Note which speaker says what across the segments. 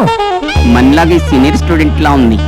Speaker 1: మనలాగే senior student లా ఉంది.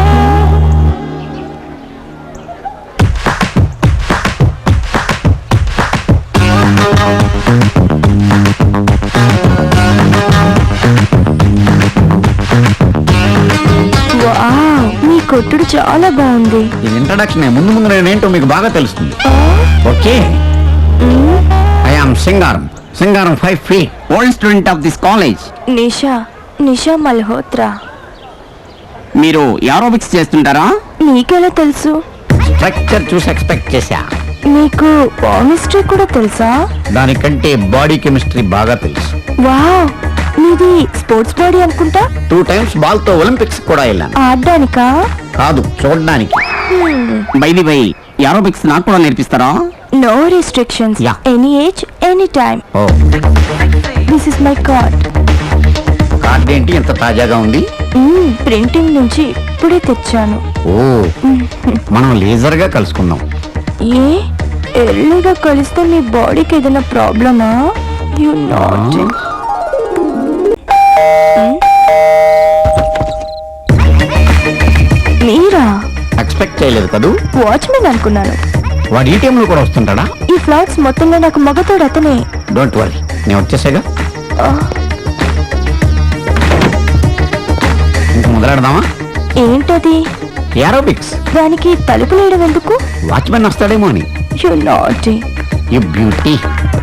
Speaker 2: మీ కొట్టుడు చాలా బాగుంది.
Speaker 3: ఇది ఇంట్రడక్షన్. ముందు ముందు నేనేంటో మీకు బాగా తెలుస్తుంది. Okay, I am Singaram 5 feet,
Speaker 1: old student of this college.
Speaker 2: Nisha Malhotra.
Speaker 1: మీరు ఏరోబిక్స్ చేస్తుంటారా?
Speaker 2: నీకెలా తెలుసు?
Speaker 3: స్ట్రక్చర్ చూసి ఎక్స్పెక్ట్ చేశా.
Speaker 2: మీకు కెమిస్ట్రీ కూడా తెలుసా?
Speaker 3: దానికంటే బాడీ కెమిస్ట్రీ బాగా తెలుసు.
Speaker 2: వావ్, మీది స్పోర్ట్స్ బాడీ అనుకుంటా.
Speaker 3: 2 times బాల్ తో ఒలింపిక్స్ కూడా వెళ్ళాను.
Speaker 2: ఆడడానికా?
Speaker 3: కాదు, చూడడానికి.
Speaker 1: బై ది బై, ఏరోబిక్స్ నాకు కూడా నేర్పిస్తారా?
Speaker 2: No restrictions.
Speaker 3: Yeah.
Speaker 2: Any age, any time.
Speaker 3: Oh,
Speaker 2: this is my card.
Speaker 3: Card ఏంటి ఎంత తాజాగా ఉంది?
Speaker 2: ప్రింటింగ్ నుంచి ఇప్పుడే తెచ్చాను.
Speaker 3: ఓ, మనం లేజర్ గా కలుసుకుందాం.
Speaker 2: ఏ ఎర్లీగా కలిస్తే మీ బాడీకి ఏదైనా ప్రాబ్లమా? You not. మీరా?
Speaker 3: ఎక్స్పెక్ట్ చేయలేదు కదూ.
Speaker 2: వాచ్మెన్ అనుకున్నాను.
Speaker 3: వాడు ఈ టైంలో కూడా వస్తుంటాడా?
Speaker 2: ఈ ఫ్లాట్స్ మొత్తంలో నాకు మగతోడు అతనే.
Speaker 3: డోంట్ వరీ, నేను వచ్చేసాగా. ఇంక మొదలెడదామా?
Speaker 2: ఏంటది?
Speaker 3: ఏరోబిక్స్.
Speaker 2: దానికి తలుపు లేయడం ఎందుకు?
Speaker 3: వాచ్మెన్ వస్తాడేమో అని.
Speaker 2: You not.
Speaker 3: You beauty.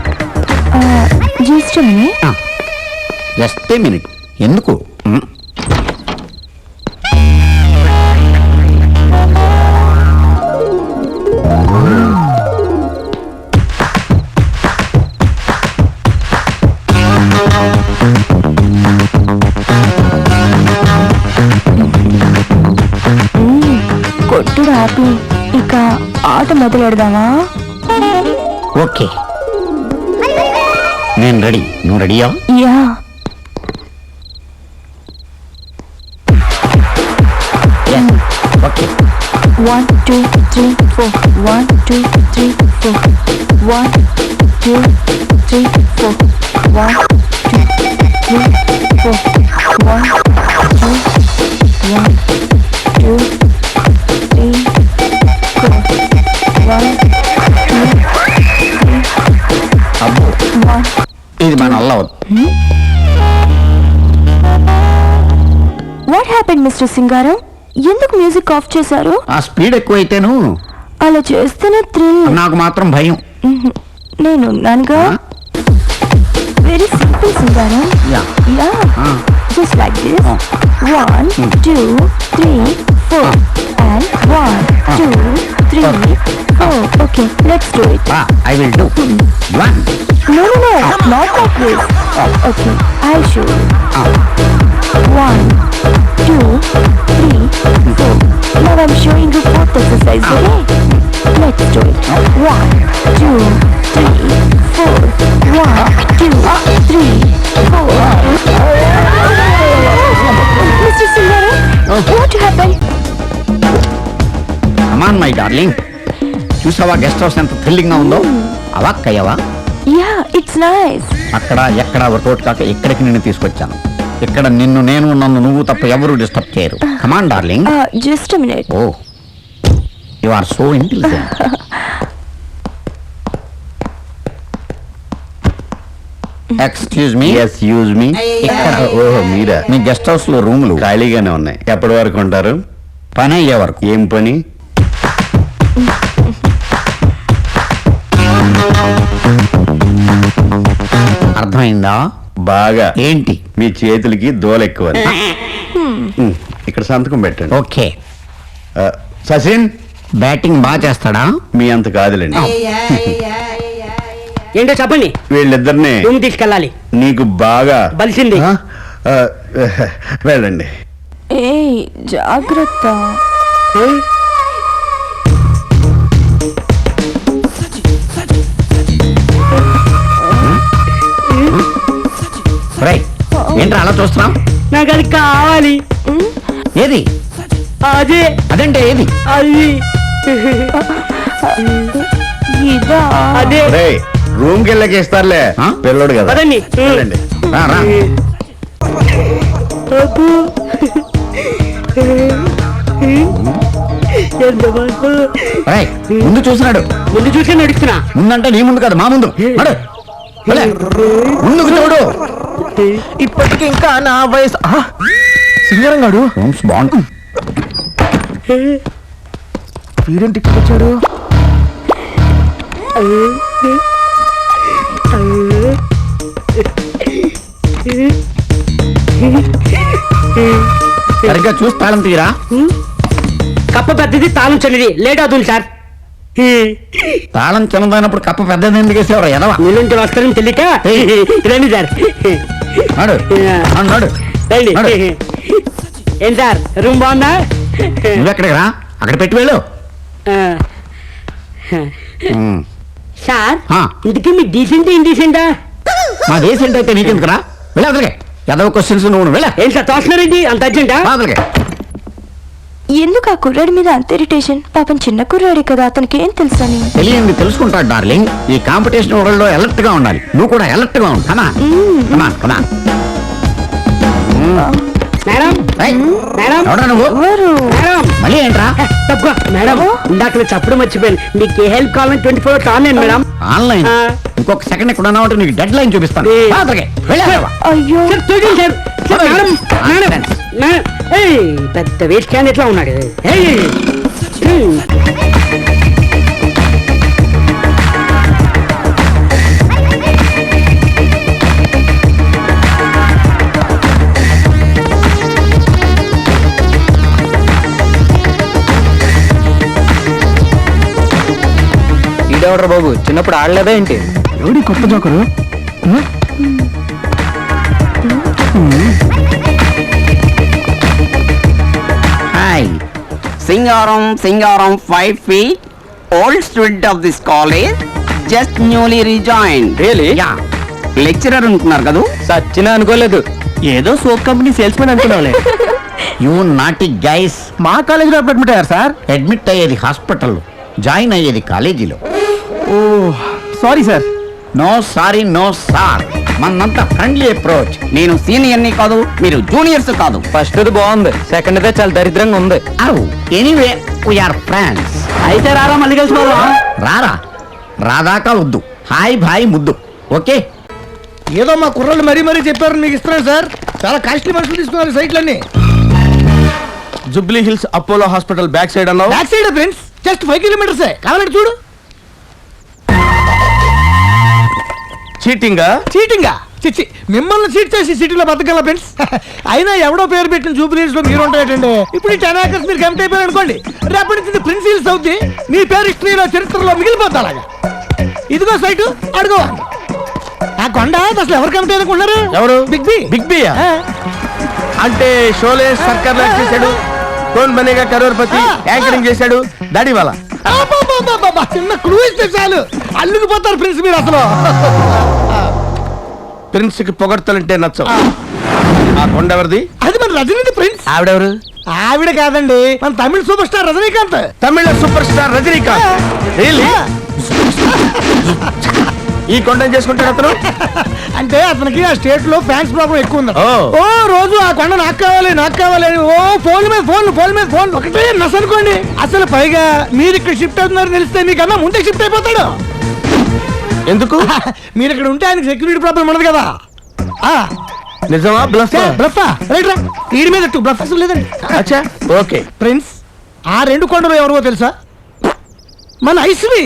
Speaker 2: Just
Speaker 3: just a minute. ఎందుకు?
Speaker 2: కొట్టుడు ఆపి ఇక ఆట మొదలెడదామా?
Speaker 3: ఓకే, నేను రెడీ. నువ్వు రెడీయా?
Speaker 2: యా.
Speaker 3: ఓకే.
Speaker 2: 1 2 3 4 1 2 3 4 1 2 3 4 1 2 3 4 1 2 1 2 3 4 1 2
Speaker 3: అబ్బో,
Speaker 2: 1.
Speaker 3: ఇది మన వల్ల అవదు.
Speaker 2: What happened mister Singaram? ఎందుకు మ్యూజిక్ ఆఫ్ చేశారు?
Speaker 3: ఆ స్పీడ్ ఎక్కువైతేను
Speaker 2: అలా చేస్తేనే థ్రిల్.
Speaker 3: నాకు మాత్రం భయం.
Speaker 2: నేనున్నానుగా. Very simple Singaram.
Speaker 3: Yeah.
Speaker 2: Yeah, just like this. 1 2 3 4 and 1 2 3 4. Okay, let's do it.
Speaker 3: I will do. 1
Speaker 2: No, not like this. Okay, I'll show you. 1 2 3 4. Now I'm showing you both exercise, okay? Let's do it. 1 2 3 4 1 2 3 4. Mr. Singara, what happened?
Speaker 3: Come on my darling. చూసావా guest house ఎంత thrilling గా ఉందో? అవాక్కయ్యవా?
Speaker 2: Yeah, it's nice.
Speaker 3: అక్కడ ఎక్కడ work out కాక ఇక్కడికి నిన్ను తీసుకొచ్చాను. ఇక్కడ నేను నన్ను నువ్వు తప్ప ఎవరు డిస్టర్బ్ చేయరు. Come on darling.
Speaker 2: Just a minute.
Speaker 3: Oh, you are so intelligent. Excuse me.
Speaker 4: Use me.
Speaker 3: ఇక్కడ
Speaker 4: ఓహో, మీరా?
Speaker 3: మీ గెస్ట్ హౌస్ లో రూములు
Speaker 4: ఖాళీగానే ఉన్నాయి. ఎప్పటి వరకు ఉంటారు?
Speaker 3: పని అయ్యే వరకు.
Speaker 4: ఏం పని?
Speaker 3: అర్థమైందా?
Speaker 4: బాగా.
Speaker 3: ఏంటి?
Speaker 4: మీ చేతులకి దోల ఎక్కువ. ఇక్కడ సంతకం పెట్టండి.
Speaker 3: ఓకే.
Speaker 4: సచిన్
Speaker 3: బ్యాటింగ్ బాగా చేస్తాడా?
Speaker 4: మీ అంత కాదులేండి.
Speaker 5: ఏంటో చెప్పండి.
Speaker 4: వీళ్ళిద్దరిని
Speaker 5: రూమ్ తీసుకెళ్ళాలి.
Speaker 4: నీకు బాగా
Speaker 5: బలిసింది.
Speaker 4: ఆ, వెళ్ళండి.
Speaker 2: ఏయ్, జాగ్రత్త.
Speaker 3: రైట్. ఏంట్రా అలా చూస్తున్నాం?
Speaker 5: నాకు అది కావాలి.
Speaker 3: ఏది?
Speaker 5: అదే.
Speaker 3: అదంటే ఏది?
Speaker 5: అది
Speaker 2: ఇదా?
Speaker 5: అదే.
Speaker 4: రూమ్ కి వెళ్ళకి ఇస్తారులే.
Speaker 3: ఆ?
Speaker 4: పిల్లడు కదా.
Speaker 5: పదండి.
Speaker 4: వెళ్ళండి.
Speaker 3: రా, రా.
Speaker 5: అబ్బో. ఎంత బాగు.
Speaker 3: రేయ్, ముందు చూసినాడు.
Speaker 5: ముందు చూసి నడుస్తున్నా.
Speaker 3: ముందంటే నీ ముందు కాదు, మా ముందు నడు. వెళ్ళే. ముందుకు చూడు.
Speaker 6: ఇప్పటికి ఇంకా నా వయసు సింగరం గాడు
Speaker 3: బాగుంది.
Speaker 6: వీడేంటి ఇక్కడ వచ్చాడు?
Speaker 3: సరిగ్గా చూసి తాళం తీరా.
Speaker 5: కప్ప పెద్దది తాళం చిన్నది లేట్ అవుతుంది సార్.
Speaker 3: తాళం చిన్నదైనప్పుడు కప్ప పెద్దది ఎందుకు వేసేవారు ఎదవా?
Speaker 5: నిలుంటి వస్తారని తెలియక రండి సార్.
Speaker 3: నడు నడు
Speaker 5: రండి.
Speaker 3: నడు.
Speaker 5: ఏం సార్ రూమ్ బాగుందా?
Speaker 3: నువ్వెక్కడికి రా, అక్కడ పెట్టి వెళ్ళు. ఉమ్.
Speaker 5: సార్
Speaker 3: ఆ.
Speaker 5: ఇంటికి మీ డీసెంట్ ఇండీసెంటా?
Speaker 3: మా దేశం అయితే నీకెందుకు రా? వెళ్ళి అదలకే. ఎదవ క్వశ్చన్స్ నువ్వు వెళ్ళా
Speaker 5: ఏం సార్ తోస్తున్నారండి అంత అర్జెంటా?
Speaker 3: అదలకే.
Speaker 2: ఎందుకు ఆ కుర్రాడి మీద అంత ఇరిటేషన్? పాపం చిన్న కుర్రాడే కదా, అతనికి ఏం తెలుసని.
Speaker 3: తెలియంది తెలుసుకుంటాడు డార్లింగ్. ఈ కాంపిటీషన్ వరల్డ్ లో అలర్ట్ గా ఉండాలి. నువ్వు కూడా అలర్ట్ గా ఉండు. కమా
Speaker 5: మేడం మేడం
Speaker 3: ఎవడా నువ్వు?
Speaker 2: ఎవరు?
Speaker 5: మేడం
Speaker 3: మళ్ళీ ఏంట్రా?
Speaker 5: తక్కువ మేడం ఇందాక నేను చెప్పడం మర్చిపోయాను. మీకు ఏ హెల్ప్ కావాలని 24 hours ఆన్లైన్ మేడం.
Speaker 3: ఆన్లైన్
Speaker 5: ఆ.
Speaker 3: ఇంకొక సెకండ్ ఇక్కడ ఉన్నావు నీకు డెడ్ లైన్ చూపిస్తాను.
Speaker 5: ఏ.
Speaker 3: అదలకే. వెళ్ళి అదలవా.
Speaker 2: అయ్యో,
Speaker 5: సార్ చూడండి sir. Sir madam madam madam ఏయ్ పెద్ద వేస్ట్ క్యాండిడేట్ లా ఉన్నాడు. ఏయ్
Speaker 6: ఈడెవడరా బాబు, చిన్నప్పుడు ఆడలేదా ఏంటి?
Speaker 3: ఎవడి కొత్త joker? Hi,
Speaker 1: Singaram 5 feet, old student of this college, just newly rejoined.
Speaker 6: Really?
Speaker 1: Yeah, lecturer ఉంటున్నారు కదా?
Speaker 6: సచ్చినా అనుకోలేదు.
Speaker 1: ఏదో సోప్ కంపెనీ సేల్స్ మెన్ అనుకున్నావులే.
Speaker 3: You naughty guys.
Speaker 6: మా కాలేజీలో అడ్మిట్ అయ్యారు సార్.
Speaker 3: అడ్మిట్ అయ్యేది హాస్పిటల్లో, జాయిన్ అయ్యేది కాలేజీలో.
Speaker 6: Sorry sir.
Speaker 3: No sorry no sir, మనంతా ఫ్రెండ్లీ అప్రోచ్.
Speaker 1: నేను సీనియర్ని కాదు, మీరు జూనియర్స్ కాదు.
Speaker 6: ఫస్ట్ బాగుంది, సెకండ్ దే చాలా దరిద్రంగా ఉంది.
Speaker 3: Anyway we are friends.
Speaker 5: అయితే రారా మళ్ళీ కలిసిపోదాం.
Speaker 3: రారా, రాదాకా వద్దు. హాయ్ భాయ్ ముద్దు. ఓకే.
Speaker 7: ఏదో మా కుర్రాళ్ళు మరీ మరీ చెప్పారని మీకు ఇస్తున్నాను సార్. చాలా కాస్ట్లీ మనుషులు తీసుకున్నారు సైట్లన్నీ.
Speaker 6: Jubilee Hills Apollo hospital back side అన్నావు.
Speaker 7: Back side friends, just 5 kilometers కావాలంటే చూడు.
Speaker 6: చీటింగ్
Speaker 7: చీటింగా చిచ్చి, మిమ్మల్ని చీట్ చేసి సిటీలో బతకగల ఫ్రెండ్స్. అయినా ఎవడో పేరు పెట్టిన జూబ్లీస్ లో మీరు ఉంటాయండి. ఇప్పుడు ఈ 10 acres మీరు కమిట్ అయిపోయారు అనుకోండి, రేపటి నుంచి ప్రిన్స్ హిల్స్ అవుద్ది. మీ పేరు హిస్టరీలో చరిత్రలో మిగిలిపోతా అలాగా. ఇదిగో సైటు అడుగు. ఆ కొండ అసలు ఎవరు కమిట్ అనుకున్నారు?
Speaker 6: ఎవరు?
Speaker 7: Big B.
Speaker 6: బిగ్ బి అంటే షోలే సర్కార్ లాక్ చేశాడు, కోన్ బనేగా కరోర్పతి యాంకరింగ్ చేశాడు, దాడి వాళ్ళ.
Speaker 7: అబ్బబ్బబ్బబ్బబ్బ, చిన్న క్లూ ఇస్తే చాలు అల్లుకుపోతారు ప్రిన్స్ మీరు అసలు.
Speaker 6: ప్రిన్స్ కి పొగడ్తలంటే నచ్చవు. ఆ కొండ ఎవరిది?
Speaker 7: అది మన రజనీకాంత్ ప్రిన్స్.
Speaker 6: ఆవిడెవరు?
Speaker 7: ఆవిడ కాదండి, మన Tamil super star Rajinikanth.
Speaker 6: Tamil super star Rajinikanth. Really? ఈ కొండను చేసుకుంటాడు అతను.
Speaker 7: అంటే అతనికి ఆ స్టేట్ లో ఫ్యాన్స్ ప్రాబ్లం ఎక్కువ ఉంది.
Speaker 6: ఓ.
Speaker 7: ఓ రోజు ఆ కొండ నాకు కావాలి అని ఓ ఫోన్ మీద ఫోన్ ఒకటే నస్ అనుకోండి. అసలు పైగా మీరు ఇక్కడ షిఫ్ట్ అవుతున్నారని తెలిస్తే మీకన్నా ముందే షిఫ్ట్ అయిపోతాడు.
Speaker 6: ఎందుకు?
Speaker 7: మీరు ఇక్కడ ఉంటే ఆయనకి సెక్యూరిటీ ప్రాబ్లం ఉండదు కదా.
Speaker 6: నిజమా బ్లఫ్?
Speaker 7: బ్లఫ్ రైట్ రా, వీడి మీద బ్లఫ్ అసలు లేదండి.
Speaker 6: అచ్చా ఓకే.
Speaker 7: ప్రిన్స్, ఆ 2 కొండలు ఎవరో తెలుసా? మన Aishwari.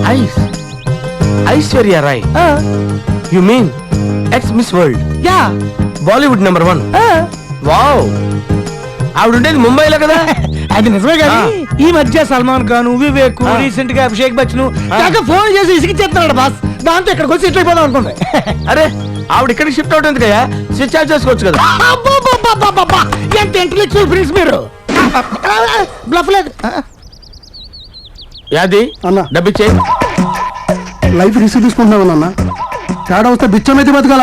Speaker 6: Aishwarya Rai. You mean ex miss world,
Speaker 7: yeah,
Speaker 6: Bollywood number 1. Wow, ఆవిడ ఉండేది ముంబైలో కదా.
Speaker 7: అది నిజమే కానీ ఈ మధ్య సల్మాన్ ఖాన్, వివేక్, రీసెంట్ గా అభిషేక్ బచ్చన్ కాక ఫోన్ చేసి ఇసిగిచ్చేస్తున్నాడు బాస్. దాంతో ఇక్కడికి వచ్చి సెటిల్ అయిపోదాం అనుకోండి.
Speaker 6: అరే ఆవిడ ఇక్కడికి షిఫ్ట్ అవుతుంది కదా, స్విచ్ ఆఫ్ చేసుకోవచ్చు కదా.
Speaker 7: అబ్బబ్బబ్బబ్బబ్బబ్బ! ఎంత ఇంటలెక్చువల్ ఫ్రెండ్స్ మీరు. బ్లఫ్ లేదు
Speaker 6: యాది
Speaker 7: అన్న.
Speaker 6: డబ్బిచ్చే.
Speaker 7: లైఫ్ రిస్క్ తీసుకుంటున్నావు అన్న. తేడా వస్తే బిచ్చం అయితే బతకాల.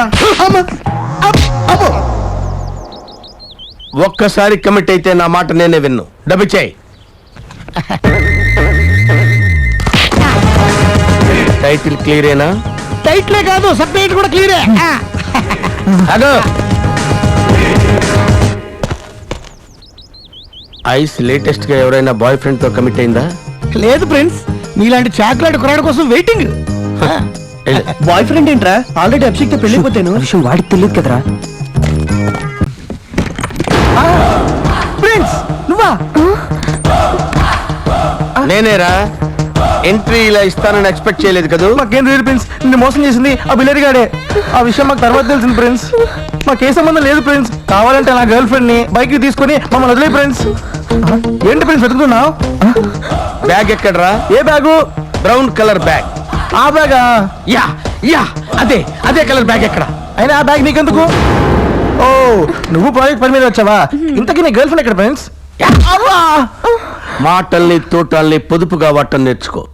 Speaker 6: ఒక్కసారి కమిట్ అయితే నా మాట నేనే విన్ను. డబ్బిచ్చే. టైటిల్ క్లియరేనా?
Speaker 7: టైట్లే కాదు, సబ్ టైటిల్ కూడా క్లియరే.
Speaker 6: అదో ఐస్ లేటెస్ట్ గా ఎవరైనా బాయ్ ఫ్రెండ్ తో కమిట్ అయిందా?
Speaker 7: లేదు ప్రిన్స్, నీలాంటి చాక్లెట్ కురాడు కోసం వెయిటింగ్.
Speaker 5: బాయ్ ఫ్రెండ్ ఏంట్రా? ఆల్రెడీ అభిషేక్ తో పెళ్ళిపోతాను. విషయం వాడికి తెలియదు కదరా.
Speaker 7: ప్రిన్స్ నువ్వా?
Speaker 6: నేనేరా. ఎంట్రీ ఇలా ఇస్తానని ఎక్స్పెక్ట్ చేయలేదు కదా.
Speaker 7: మాకేం తెలియదు ప్రిన్స్, నిన్ను మోసం చేసింది ఆ బిల్లరి గాడే. ఆ విషయం మాకు తర్వాత తెలిసింది ప్రిన్స్. మాకే సంబంధం లేదు ప్రిన్స్. కావాలంటే నా గర్ల్ ఫ్రెండ్ ని బైక్ తీసుకొని మమ్మల్ని వదిలే ప్రిన్స్. ఏంటి ప్రిన్స్ వెతుకుతున్నావు?
Speaker 6: బ్యాగ్ ఎక్కడరా?
Speaker 7: ఏ బ్యాగు?
Speaker 6: Brown colour bag.
Speaker 7: ఆ బ్యాగా?
Speaker 6: యా యా అదే అదే కలర్ బ్యాగ్ ఎక్కడ?
Speaker 7: అయినా ఆ బ్యాగ్ నీకెందుకు? ఓ, నువ్వు ప్రాజెక్ట్ పని మీద వచ్చావా? ఇంతకీ నీ గర్ల్ ఫ్రెండ్ ఎక్కడ ప్రిన్స్?
Speaker 6: మాటల్ని తోటల్ని పొదుపుగా వాటం నేర్చుకో.